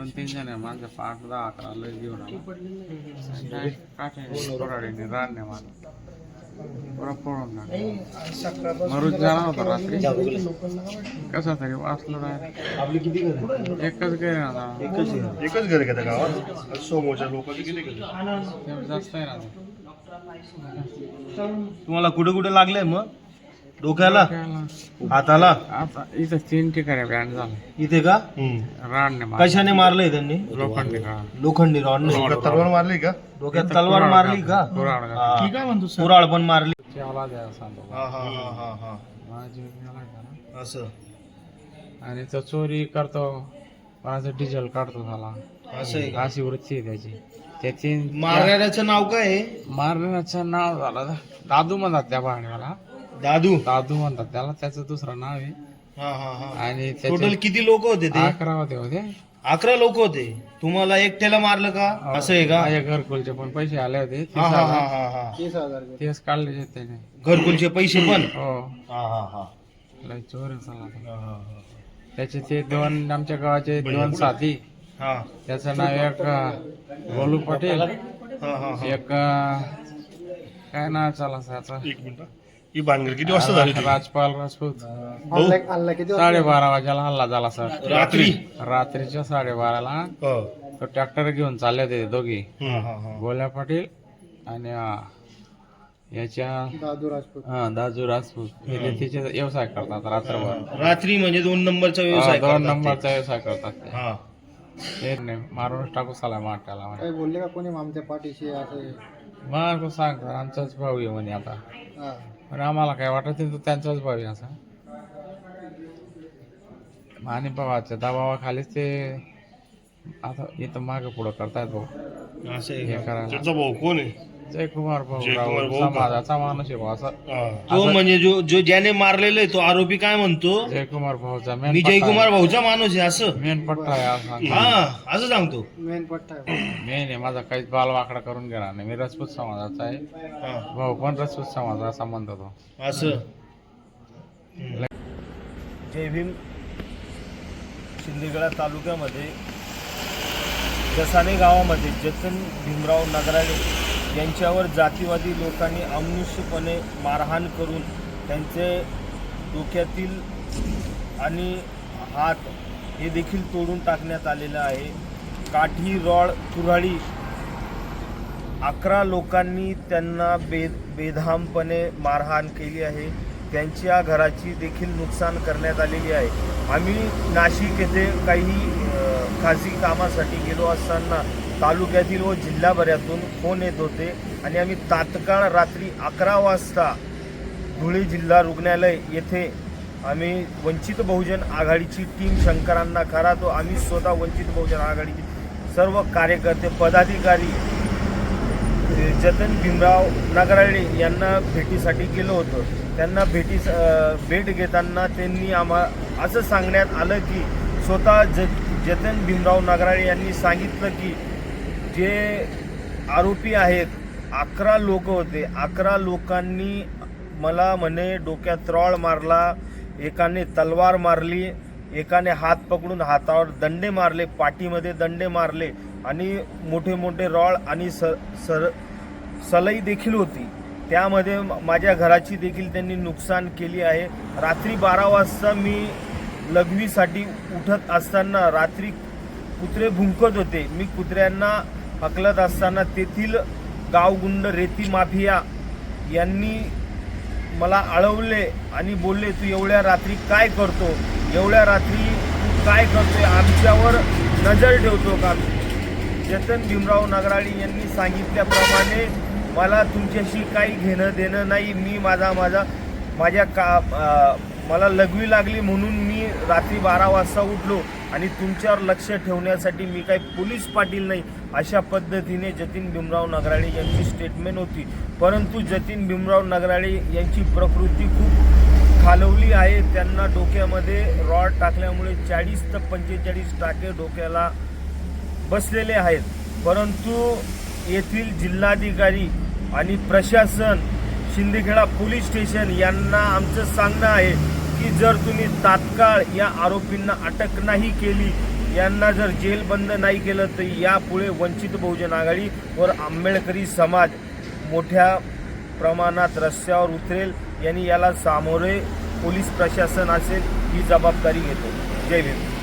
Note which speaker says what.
Speaker 1: 2-3 जण आहे माझ्या 5-10-11 लस घेऊन आला काठ्याने रानने मला पुरा पळून मरूच जाणार होता रात्री कसा तरी वाचलो नाही.
Speaker 2: आपली किती घर
Speaker 1: एकच घर ना
Speaker 2: एकच घर घेता गावात समोरच्या लोकांचे किती घर
Speaker 1: जास्त आहे ना
Speaker 2: तुम्हाला कुठे कुठे लागलंय मग डोक्याला हाताला
Speaker 1: आता इथं 3 ठिकाणी बँड झाला
Speaker 2: इथे का
Speaker 1: रानने
Speaker 2: कशाने मारलंय त्यांनी
Speaker 1: लोखंडी का
Speaker 2: लोखंडी रॉडने
Speaker 3: तलवार मारली का
Speaker 2: डोक्यात तलवार मारली का कुराळ पण मारली
Speaker 1: सांगतो
Speaker 2: हा हा हा हा हा
Speaker 1: माझी गेला
Speaker 2: असं
Speaker 1: आणि तो चोरी करतो माझं डिझेल काढतो झाला
Speaker 2: असं आहे का?
Speaker 1: अशी वृत्ती आहे त्याची त्याची
Speaker 2: मारणाऱ्याचं नाव काय आहे
Speaker 1: मारण्याचं नाव झालं दादू म्हणतात त्या भाण्याला
Speaker 2: दादू
Speaker 1: दादू म्हणतात त्याला त्याचं दुसरं नाव आहे.
Speaker 2: हा हा हा
Speaker 1: आणि
Speaker 2: टोटल किती लोक होते ते
Speaker 1: 11 होते
Speaker 2: 11 लोक होते तुम्हाला एकट्याला मारलं का असं आहे का
Speaker 1: माझ्या घरकुलचे पण पैसे आले होते
Speaker 2: हा हा हा हा हा
Speaker 1: तेच काढले त्याने
Speaker 2: घरकुलचे पैसे पण
Speaker 1: हो
Speaker 2: हा हा हा
Speaker 1: लय चोर आहे साला तो.
Speaker 2: हा, हा,
Speaker 1: त्याचे ते 2 आमच्या गावाचे 2 साथी
Speaker 2: हा.
Speaker 1: त्याचं नाव एक गोलू पटेल
Speaker 2: हा, हा, हा.
Speaker 1: एक काय नाव चाला त्याचं
Speaker 3: एक मिनिट ही भानगड किती वाजता झाली होती?
Speaker 1: राजपाल राजपूत
Speaker 3: भाऊ?
Speaker 1: 12:30 वाजेला हल्ला झाला सर
Speaker 2: रात्री
Speaker 1: रात्रीच्या 12:30ला
Speaker 3: हा.
Speaker 1: तो ट्रॅक्टर घेऊन चालले होते दोघी
Speaker 2: हा, हा, हा.
Speaker 1: गोल्या पाटील आणि याच्या दादू राजपूत हे तिचे व्यवसाय करतात रात्रभर
Speaker 2: रात्री म्हणजे 2 नंबरचा व्यवसाय
Speaker 1: 2
Speaker 2: करतात ते.
Speaker 1: नंबरचा व्यवसाय करतात ते.
Speaker 2: हा.
Speaker 1: ते नाही मारूनच टाकू साला माट्याला
Speaker 4: काही बोलले का कोणी आमच्या पाठीशी असं
Speaker 1: मग तो सांगतो आमचाच भाऊ आहे म्हणे आता
Speaker 4: हा.
Speaker 1: पण आम्हाला काय वाटत नाही तो त्यांचाच भाऊ आहे असा आणि भावाच्या दबावाखालीच ते आता इथं मागं पुढं करतायत भाऊ
Speaker 2: असं आहे
Speaker 1: हे
Speaker 2: का?
Speaker 1: करायला
Speaker 3: त्याचा भाऊ कोण आहे
Speaker 1: जयकुमार भाऊ
Speaker 3: जयकुमार
Speaker 1: राव
Speaker 3: भाऊ का?
Speaker 1: समाजाचा माणूस आहे भाऊ असा
Speaker 3: हा.
Speaker 2: तो म्हणजे जो ज्याने मारलेलं आहे तो आरोपी काय म्हणतो
Speaker 1: जयकुमार भाऊचा
Speaker 2: मी जयकुमार भाऊचा माणूस आहे असं
Speaker 1: मेन पट्टा आहे असं सांगतो.
Speaker 2: हा असं सांगतो
Speaker 4: मेन पट्टा आहे.
Speaker 1: मेन आहे माझा काहीच बाल वाकडा करून घेणार नाही मी राजपूत समाजाचा आहे
Speaker 2: हा.
Speaker 1: भाऊ पण राजपूत समाजाचा संबंध तो
Speaker 2: असं जय भीम शिंदेगडा तालुक्यामध्ये जसाने गावामध्ये जतन भीमराव नगराळे यांच्यावर जातीवादी लोकांनी अमानुषपणे मारहाण करून त्यांचे डोक्यातील आणि हात हे देखील तोडून टाकण्यात आलेलं आहे. काठी रॉड कुऱ्हाडी 11 लोकांनी त्यांना बेधामपणे मारहाण केली आहे. त्यांच्या घराची देखील नुकसान करण्यात आलेली आहे. आम्ही नाशिक येथे काही खाजगी कामासाठी गेलो असताना तालुक्यातील व जिल्हाभरातून फोन येत होते आणि आम्ही तात्काळ रात्री 11 वाजता धुळे जिल्हा रुग्णालय येथे आम्ही वंचित बहुजन आघाडीची टीम शंकरांना खरा तो आम्ही स्वतः वंचित बहुजन आघाडीचे सर्व कार्यकर्ते पदाधिकारी जतन भीमराव नगराळे यांना भेटीसाठी गेलो होतो. त्यांना भेट घेताना त्यांनी असं सांगण्यात आलं की स्वतः जतन भीमराव नगराळे यांनी सांगितलं की जे आरोपी आहेत 11 लोक होते 11 लोकांनी मला म्हणे डोक्यात रॉड मारला, एकाने तलवार मारली, एकाने हात पकडून हातावर दंडे मारले, पाठीमध्ये दंडे मारले आणि मोठे मोठे रॉड आणि सलई देखील होती. त्यामध्ये माझ्या घराची देखील त्यांनी नुकसान केली आहे. रात्री 12 वाजता मी लघवीसाठी उठत असताना रात्री कुत्रे भुंकत होते. मी कुत्र्यांना हकलत असताना तेथील गावगुंड रेती माफिया यांनी मला अडवले आणि बोलले तू एवढ्या रात्री काय करतो, एवढ्या रात्री तू काय करतोय, आमच्यावर नजर ठेवतो का. जतन भीमराव नगराळे यांनी सांगितल्याप्रमाणे मला तुमच्याशी काही घेणं देणं नाही. मी मला लघवी लागली म्हणून मी रात्री 12 वाजता उठलो आणि तुमच्यावर लक्ष ठेवण्यासाठी मी काही पोलीस पाटील नाही अशा पद्धतीने जतीन भीमराव नगराळे यांची स्टेटमेंट होती. परंतु जतीन भीमराव नगराळे यांची प्रकृती खूप खालवली आहे. त्यांना डोक्यामध्ये रॉड टाकल्यामुळे 40 ते 45 टाके डोक्याला बसलेले आहेत. परंतु येथील जिल्हाधिकारी आणि प्रशासन शिंदखेडा पोलीस स्टेशन यांना आमचं सांगणं आहे की जर तुम्ही तात्काळ या आरोपींना अटक नाही केली यांना जर जेल बंद नाही केलं तर यापुढे वंचित बहुजन आघाडी व आंबेडकरी समाज मोठ्या प्रमाणात रस्त्यावर उतरेल. यांनी याला सामोरे पोलीस प्रशासन असेल ही जबाबदारी घेतो. जय भीम.